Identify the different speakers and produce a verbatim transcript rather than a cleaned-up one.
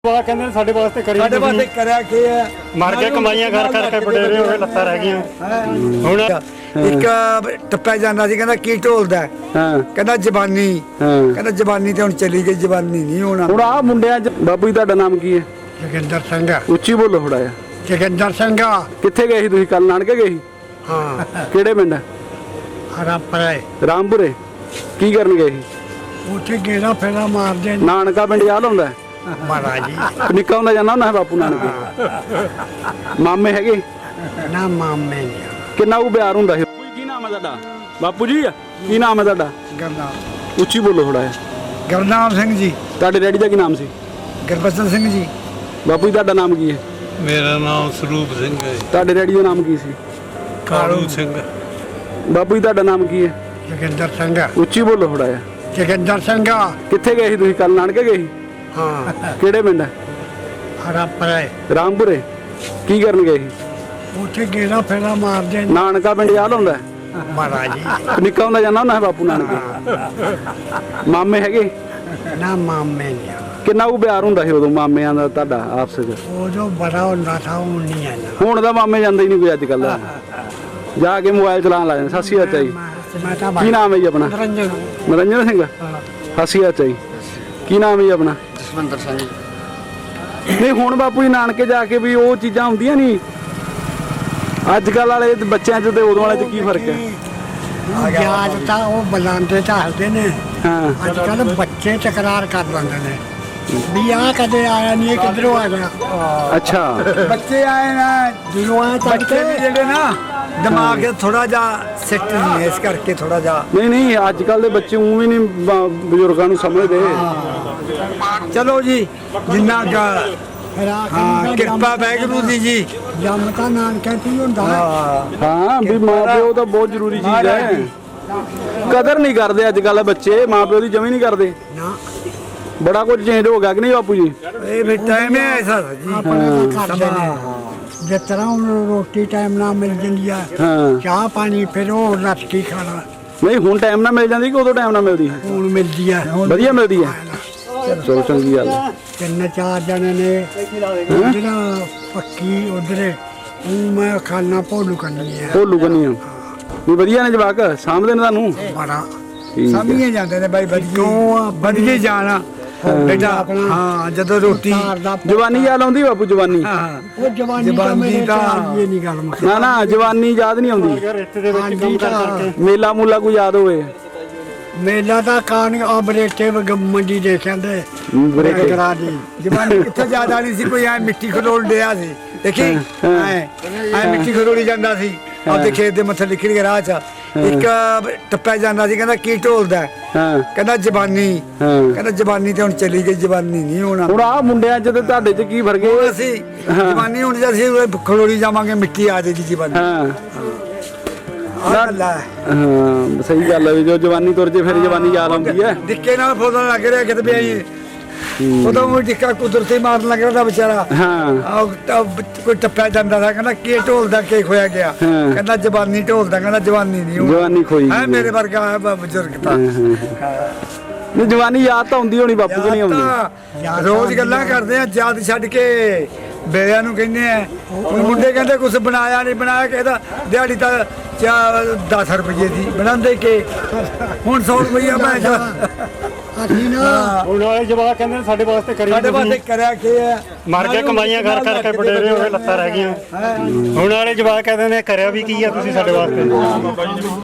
Speaker 1: ਵਾਹ ਕਹਿੰਦੇ ਨੇ ਸਾਡੇ ਵਾਸਤੇ ਕਰੀ
Speaker 2: ਸਾਡੇ ਵਾਸਤੇ ਕਰਿਆ ਕੀ ਹੈ
Speaker 1: ਮਰ ਕੇ ਕਮਾਈਆਂ ਕਰ ਕਰਕੇ ਬਡੇਰੇ ਹੋ ਗਏ ਲੱਤਾਂ ਰਹਿ ਗਈਆਂ ਹੁਣ
Speaker 2: ਇੱਕ ਟੱਪਾ ਜਾਂਦਾ ਸੀ ਕਹਿੰਦਾ ਕੀ ਢੋਲਦਾ
Speaker 3: ਹਾਂ
Speaker 2: ਕਹਿੰਦਾ ਜ਼ਬਾਨੀ
Speaker 3: ਹਾਂ
Speaker 2: ਕਹਿੰਦਾ ਜ਼ਬਾਨੀ ਤੇ ਹੁਣ ਚਲੀ ਗਈ ਜ਼ਬਾਨੀ ਨਹੀਂ ਹੋਣਾ
Speaker 3: ਹੁਣ ਆ ਮੁੰਡਿਆਂ ਚ ਬਾਬੂ ਜੀ ਤੁਹਾਡਾ ਨਾਮ ਕੀ ਹੈ?
Speaker 2: ਜੋਗਿੰਦਰ ਸਿੰਘ
Speaker 3: ਉੱਚੀ ਬੋਲੋ ਥੋੜਾ ਜਿਹਾ।
Speaker 2: ਜੋਗਿੰਦਰ ਸਿੰਘ
Speaker 3: ਕਿੱਥੇ ਗਏ ਸੀ ਤੁਸੀਂ? ਕੱਲ ਨਾਨਕੇ ਗਏ ਸੀ?
Speaker 2: ਹਾਂ
Speaker 3: ਕਿਹੜੇ ਪਿੰਡ?
Speaker 2: ਹਰਾਪਰੇ
Speaker 3: ਰਾਮਪੁਰੇ। ਕੀ ਕਰਨ ਗਏ ਸੀ?
Speaker 2: ਉੱਥੇ ਗੇੜਾ ਫੇਰਾ ਮਾਰਦੇ ਨੇ
Speaker 3: ਨਾਨਕਾ ਪਿੰਡ ਯਾਦ ਹੁੰਦਾ?
Speaker 2: ਮਹਾਰਾਜ ਜੀ
Speaker 3: ਨਿੱਕਾ ਹੁੰਦਾ ਜਾਂਦਾ ਹੁੰਦਾ ਬਾਪੂ ਨਾਨਕੇ। ਮਾਮੇ ਹੈਗੇ?
Speaker 2: ਨਾ ਮਾਮੇ ਨਹੀਂ
Speaker 3: ਕਿੰਨਾ ਕੁ ਪਿਆਰ ਹੁੰਦਾ ਸੀ? ਕੀ ਨਾਮ ਹੈ ਤੁਹਾਡਾ? ਬਾਪੂ ਜੀ ਕੀ ਨਾਮ ਹੈ ਤੁਹਾਡਾ?
Speaker 2: ਗਰਨਾਮ
Speaker 3: ਉੱਚੀ ਬੋਲੋ ਥੋੜਾ ਜਿਹਾ।
Speaker 2: ਗਰਨਾਮ ਸਿੰਘ ਜੀ।
Speaker 3: ਤੁਹਾਡੇ ਡੈਡੀ ਦਾ ਕੀ ਨਾਮ ਸੀ?
Speaker 2: ਗੁਰਬਚਨ ਸਿੰਘ ਜੀ।
Speaker 3: ਬਾਪੂ ਜੀ ਤੁਹਾਡਾ ਨਾਮ ਕੀ ਹੈ?
Speaker 4: ਮੇਰਾ ਨਾਮ ਸਰੂਪ ਸਿੰਘ ਹੈ।
Speaker 3: ਤੁਹਾਡੇ ਡੈਡੀ ਦਾ ਨਾਮ ਕੀ ਸੀ?
Speaker 4: ਕਾਲੂ ਸਿੰਘ।
Speaker 3: ਬਾਪੂ ਜੀ ਤੁਹਾਡਾ ਨਾਮ ਕੀ ਹੈ?
Speaker 2: ਜੋਗਿੰਦਰ ਸਿੰਘ।
Speaker 3: ਉੱਚੀ ਬੋਲੋ ਥੋੜਾ ਜਿਹਾ।
Speaker 2: ਜੋਗਿੰਦਰ ਸਿੰਘ।
Speaker 3: ਕਿੱਥੇ ਗਏ ਸੀ ਤੁਸੀਂ? ਕੱਲ ਨਾਨਕੇ ਗਏ ਸੀ?
Speaker 2: ਹਾਂ
Speaker 3: ਕਿਹੜੇ ਪਿੰਡ?
Speaker 2: ਹਰਾਪਰੇ
Speaker 3: ਰਾਮਪੁਰੇ। ਕੀ ਕਰਨ ਗਏ ਸੀ?
Speaker 2: ਉੱਥੇ ਗੇੜਾ ਫੇਰਾ ਮਾਰਦੇ ਨੇ
Speaker 3: ਨਾਨਕਾ ਪਿੰਡ ਯਾਦ ਹੁੰਦਾ?
Speaker 2: ਮਹਾਰਾਜ ਜੀ
Speaker 3: ਨਿੱਕਾ ਹੁੰਦਾ ਜਾਂਦਾ ਹੁੰਦਾ ਬਾਪੂ ਨਾਨਕੇ। ਮਾਮੇ ਹੈਗੇ?
Speaker 2: ਨਾ ਮਾਮੇ ਨਹੀਂ
Speaker 3: ਕਿੰਨਾ ਕੁ ਪਿਆਰ ਹੁੰਦਾ ਸੀ ਉਦੋਂ ਮਾਮਿਆਂ ਦਾ ਤੁਹਾਡਾ ਆਪਸ ਵਿੱਚ?
Speaker 2: ਉਹ ਜੋ ਬੜਾ ਹੁੰਦਾ ਥਾ ਉਹ ਨਹੀਂ ਆਇਆ
Speaker 3: ਹੁਣ ਤਾਂ ਮਾਮੇ ਜਾਂਦੇ ਹੀ ਨਹੀਂ ਕੋਈ ਅੱਜ ਕੱਲ। ਜਾ ਕੇ ਮੋਬਾਈਲ ਚਲਾਉਣ ਲੱਗ ਜਾਂਦੇ। ਸਤਿ ਸ਼੍ਰੀ ਅਕਾਲ ਜੀ।
Speaker 2: ਮੈਂ ਤਾਂ
Speaker 3: ਕੀ ਨਾਮ ਹੈ ਜੀ ਆਪਣਾ?
Speaker 2: ਰੰਜਨ
Speaker 3: ਨਰਿੰਦਰ ਸਿੰਘ। ਸਤਿ ਸ਼੍ਰੀ ਅਕਾਲ ਜੀ। ਕੀ ਨਾਮ ਹੈ ਜੀ ਆਪਣਾ?
Speaker 2: ਜਸਵੰਦਰ ਸਿੰਘ
Speaker 3: ਨਹੀਂ ਹੁਣ ਬਾਪੂ ਜੀ ਨਾਨਕੇ ਜਾ ਕੇ ਵੀ ਉਹ ਚੀਜ਼ਾਂ ਹੁੰਦੀਆਂ ਨਹੀਂ ਅੱਜ ਕੱਲ ਵਾਲੇ ਬੱਚਿਆਂ 'ਚ ਤੇ ਉਦੋਂ ਵਾਲੇ 'ਚ ਕੀ ਫਰਕ ਹੈ?
Speaker 2: ਯਾਦ ਤਾਂ ਉਹ ਬੁਲਾਉਂਦੇ ਤਾਂ ਹੱਸਦੇ ਨੇ
Speaker 3: ਹਾਂ
Speaker 2: ਅੱਜ ਕੱਲ ਬੱਚੇ ਤਕਰਾਰ ਕਰ ਲੈਂਦੇ ਨੇ ਵੀ ਆ ਕਦੇ ਆਇਆ ਨਹੀਂ ਕਿਧਰੋਂ ਆ ਗਿਆ
Speaker 3: ਅੱਛਾ
Speaker 2: ਬੱਚੇ ਆਏ ਨਾ ਜਦੋਂ ਆ ਬੱਚੇ ਵੀ ਜਿਹੜੇ ਨਾ ਦਿਮਾਗ ਥੋੜਾ ਜਿਹਾ ਸੈੱਟ ਨਹੀਂ ਇਸ ਕਰਕੇ ਥੋੜਾ ਜਿਹਾ
Speaker 3: ਨਹੀਂ ਨਹੀਂ ਅੱਜ ਕੱਲ ਦੇ ਬੱਚੇ ਉਹ ਵੀ ਨਹੀਂ ਬ- ਬਜ਼ੁਰਗਾਂ ਨੂੰ ਸਮਝਦੇ।
Speaker 2: ਚਲੋ ਜੀ ਜਿੰਨਾ ਕੁ ਹਾਂ ਕਿਰਪਾ ਵਾਹਿਗੁਰੂ ਦੀ ਜੀ ਜੰਮ ਤਾਂ ਨਾਨਕਾ ਕੀ ਹੁੰਦਾ
Speaker 3: ਹਾਂ ਵੀ ਮਾਂ ਪਿਓ ਤਾਂ ਬਹੁਤ ਜ਼ਰੂਰੀ ਚੀਜ਼ ਹੈ। ਕਦਰ ਨਹੀਂ ਕਰਦੇ ਅੱਜ ਕੱਲ ਬੱਚੇ ਮਾਂ ਪਿਓ ਦੀ ਜਮੀ ਨਹੀਂ ਕਰਦੇ।
Speaker 2: ਨਾ
Speaker 3: ਬੜਾ ਕੁਝ ਚੇਂਜ ਹੋ ਗਿਆ ਕਿ ਨਹੀਂ ਬਾਪੂ ਜੀ?
Speaker 2: ਇਹ ਵੀ ਟਾਈਮ ਹੈ ਐਸਾ ਜੀ ਆਪਣੇ ਕਰਦੇ ਨੇ ਜਿਸ ਤਰ੍ਹਾਂ ਉਹਨੂੰ ਰੋਟੀ ਟਾਈਮ ਨਾਲ ਮਿਲ ਜਾਂਦੀ ਆ
Speaker 3: ਹਾਂ
Speaker 2: ਚਾਹ ਪਾਣੀ ਫਿਰ ਉਹ ਰੱਜ ਕੇ ਖਾਣਾ
Speaker 3: ਨਹੀਂ ਹੁਣ ਟਾਈਮ ਨਾਲ ਮਿਲ ਜਾਂਦੀ ਕਿ ਉਦੋਂ ਟਾਈਮ ਨਾਲ ਮਿਲਦੀ?
Speaker 2: ਹੁਣ ਮਿਲਦੀ ਆ
Speaker 3: ਵਧੀਆ ਮਿਲਦੀ ਹੈ। ਚਲੋ ਚੰਗੀ ਗੱਲ ਹੈ।
Speaker 2: ਤਿੰਨ ਚਾਰ ਜਣੇ ਨੇ ਜਿਹੜਾ ਪੱਕੀ ਉਧਰੇ ਉਹ ਮੈਂ ਖਾਣਾ ਭੋਲੂ ਕਰਨੀ ਹੈ
Speaker 3: ਭੋਲੂ ਕੰਨੀ ਆ ਵੀ ਵਧੀਆ ਨੇ ਜਵਾਕ ਸਾਂਭਦੇ ਨੇ ਤੁਹਾਨੂੰ?
Speaker 2: ਬੜਾ
Speaker 3: ਠੀਕ ਹੈ।
Speaker 2: ਸਮਝੇ ਜਾਂਦੇ ਨੇ ਬਾਈ ਵਧੀਆ ਵਧੀਆ ਜਾਣਾ ਬੇਟਾ ਹਾਂ ਜਦੋਂ ਰੋਟੀ
Speaker 3: ਜਵਾਨੀ ਯਾਦ ਆਉਂਦੀ ਬਾਪੂ? ਜਵਾਨੀ
Speaker 2: ਉਹ ਜਵਾਨੀ ਦਾ ਮੇਰੇ ਤਾਂ ਇਹ ਨਹੀਂ ਗੱਲ ਮੁੱਕ
Speaker 3: ਨਾ ਨਾ ਜਵਾਨੀ ਯਾਦ ਨਹੀਂ ਆਉਂਦੀ?
Speaker 1: ਰੇਤੇ ਦੇ ਵਿੱਚ ਕੰਮ ਕਰ ਕਰਕੇ
Speaker 3: ਮੇਲਾ ਮੂਲਾ ਕੋਈ ਯਾਦ ਹੋਵੇ?
Speaker 2: ਮੇਲਾ ਦਾ ਕਾਨ ਆ ਬਰੇਟੇ ਮੰਡੀ ਦੇ ਕਹਿੰਦੇ
Speaker 3: ਬਰੇਟੇ।
Speaker 2: ਕਰਾ ਦੀ ਜਵਾਨੀ ਕਿੱਥੇ ਜ਼ਿਆਦਾ ਨਹੀਂ ਸੀ ਕੋਈ ਐ ਮਿੱਟੀ ਖਲੋਲ ਡਿਆ ਸੀ ਦੇਖੀ ਐ ਐ ਮਿੱਟੀ ਖਲੋਲੀ ਜਾਂਦਾ ਸੀ ਆਪਦੇ ਖੇਤ ਦੇ ਮੱਥੇ ਲਿਖੀ ਕੇ ਰਾਹ ਚ ਇੱਕ ਟੱਪਾ ਜਾਂਦਾ ਸੀ ਕਹਿੰਦਾ ਕੀ ਢੋਲਦਾ
Speaker 3: ਹਾਂ
Speaker 2: ਕਹਿੰਦਾ ਜ਼ਬਾਨੀ
Speaker 3: ਹਾਂ
Speaker 2: ਕਹਿੰਦਾ ਜ਼ਬਾਨੀ ਤੇ ਹੁਣ ਚਲੀ ਗਈ ਜ਼ਬਾਨੀ ਨਹੀਂ ਹੋਣਾ
Speaker 3: ਹੁਣ ਆ ਮੁੰਡਿਆਂ 'ਚ ਤੇ ਤੁਹਾਡੇ 'ਚ ਕੀ ਫਰਕ
Speaker 2: ਉਹ
Speaker 3: ਹੈ?
Speaker 2: ਅਸੀਂ ਜ਼ਬਾਨੀ ਹੁਣ ਜੇ ਅਸੀਂ ਖਲੋਲੀ ਜਾਵਾਂਗੇ ਮਿੱਟੀ ਆ ਜਾਏਗੀ ਜ਼ਬਾਨੀ
Speaker 3: ਹਾਂ
Speaker 2: ਆਹ ਗੱਲ ਹੈ
Speaker 3: ਹਾਂ ਸਹੀ ਗੱਲ ਹੈ ਵੀ ਜੋ ਜਵਾਨੀ ਤੁਰ ਜੇ ਫਿਰ ਜਵਾਨੀ ਯਾਦ ਆਉਂਦੀ ਹੈ।
Speaker 2: ਡਿੱਕੇ ਨਾਲ ਫੋਦਣ ਲੱਗ ਰਿਹਾ ਕਿਤੇ ਵੀ ਆਈ ਉਦੋਂ ਉਹ ਡਿੱਕਾ ਕੁਦਰਤੀ ਮਾਰਨ ਲੱਗ ਰਿਹਾ ਵਿਚਾਰਾ
Speaker 3: ਹਾਂ
Speaker 2: ਆਹ ਤਾਂ ਕੋਈ ਟੱਪਿਆ ਜਾਂਦਾ ਸੀ ਕਹਿੰਦਾ ਕੀ ਢੋਲਦਾ ਕੀ ਖੋਇਆ ਗਿਆ
Speaker 3: ਹਾਂ।
Speaker 2: ਕਹਿੰਦਾ ਜ਼ਬਾਨੀ ਢੋਲਦਾ ਕਹਿੰਦਾ ਜਵਾਨੀ ਨਹੀਂ
Speaker 3: ਜਵਾਨੀ ਖੋਈ
Speaker 2: ਹੈ ਮੇਰੇ ਵਰਗਾ ਹੈ ਬ- ਬਜ਼ੁਰਗ ਤਾਂ
Speaker 3: ਨਹੀਂ ਜਵਾਨੀ ਯਾਦ ਤਾਂ ਹੁੰਦੀ ਹੋਣੀ ਬਾਪੂ ਕਿ ਨਹੀਂ ਆਉਂਦੀ?
Speaker 2: ਤਾਂ ਰੋਜ਼ ਗੱਲਾਂ ਕਰਦੇ ਆ ਯਾਦ ਛੱਡ ਕੇ ਬੇੜਿਆਂ ਨੂੰ ਕਹਿੰਦੇ ਆ ਹੁਣ ਮੁੰਡੇ ਕਹਿੰਦੇ ਕੁਝ ਬਣਾਇਆ ਨਹੀਂ ਬਣਾਇਆ ਕਹਿੰਦਾ ਦਿਹਾੜੀ ਤਾਂ ਦਸ ਰੁਪਏ ਦੀ ਬਣਾਉਂਦੇ ਕਿ ਹੁਣ ਸੌ ਰੁਪਈਆ ਮੈਂ ਅਸੀਂ ਨਾ
Speaker 1: ਹੁਣ ਵਾਲੇ ਜਵਾਕ ਕਹਿੰਦੇ ਨੇ ਸਾਡੇ ਵਾਸਤੇ ਕਰੀ
Speaker 2: ਸਾਡੇ ਵਾਸਤੇ ਕਰਿਆ ਕੀ ਹੈ
Speaker 1: ਮਰ ਕੇ ਕਮਾਈਆਂ ਕਰ ਕਰਕੇ ਬਡੇਰੇ ਹੋ ਗਏ ਲੱਤਾਂ ਰਹਿ ਗਈਆਂ ਹੁਣ ਵਾਲੇ ਜਵਾਕ ਕਹਿੰਦੇ ਨੇ ਕਰਿਆ ਵੀ ਕੀ ਆ ਤੁਸੀਂ ਸਾਡੇ ਵਾਸਤੇ?